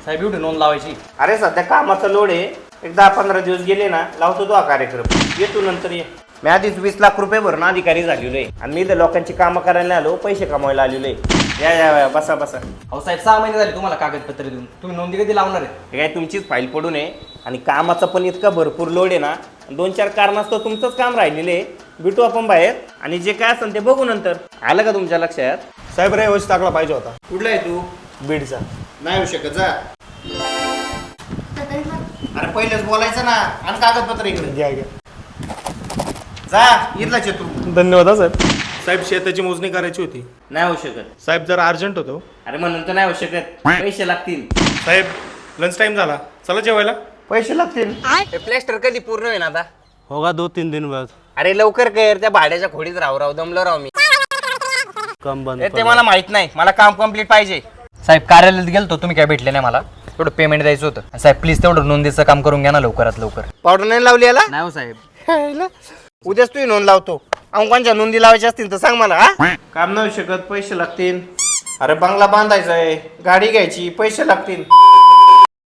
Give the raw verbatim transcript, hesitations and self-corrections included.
साहेब एवढी नोंद लावायची. अरे सध्या कामाचा लोड आहे, एक दहा पंधरा दिवस गेले ना लावतो तो हा कार्यक्रम. येतो नंतर ये. मी आधीच वीस लाख रुपये भरून अधिकारी झालेलो आहे आणि मी इथं लोकांची कामं करायला आलो, पैसे कमवायला आलेलो आहे. या या या, बसा बसा. अहो साहेब सहा महिने झाले तुम्हाला कागदपत्र देऊन, तुम्ही नोंदी कधी लावणार आहे? हे काय तुमचीच फाईल पडून आहे आणि कामाचा पण इतका भरपूर लोड आहे ना, दोन चार कारणास्तव तुमचंच काम राहिलेलं आहे. भेटू आपण बाहेर आणि जे काय असेल ते बघू नंतर. आलं का तुमच्या लक्षात? साहेब रे वच टाकला पाहिजे होता. कुठला आहे तू? बीडचा. नाही होऊ शकत, जा. अरे पहिलेच बोलायचं ना. आणि कागदपत्र इकडे घ्या घ्या. जा. इथलाच आहे तू. धन्यवाद हा साहेब. साहेब शेताची मोजणी करायची होती. नाही होऊ शकत. साहेब जरा अर्जंट होतो. अरे म्हणून तर नाही होऊ शकत, पैसे लागतील. साहेब लंच टाइम झाला, चला जेवायला. पैसे लागतील. प्लॅस्टर कधी पूर्ण होईल आता? होगा दो तीन दिन बाद. अरे लवकर कर, त्या भाड्याच्या खोडीत राहू राहू दमलो राहू मी. कम बंद ए, ते मला माहित नाही, मला काम कम्प्लीट पाहिजे. साहेब कार्यालयात गेलतो, तुम्ही काय भेटले नाही मला. तेवढं पेमेंट द्यायचं होतं. साहेब प्लीज तेवढं नोंदीचं काम करून घ्या ना लवकरात लवकर. पावडर नाही लावली याला? नाही हो साहेब. उद्याच तू नोंद लावतो. अंकांच्या नोंदी लावायच्या असतील तर सांग मला. हा काम नाही होऊ शकत, पैसे लागतील. अरे बंगला बांधायचा आहे, गाडी घ्यायची, पैसे लागतील.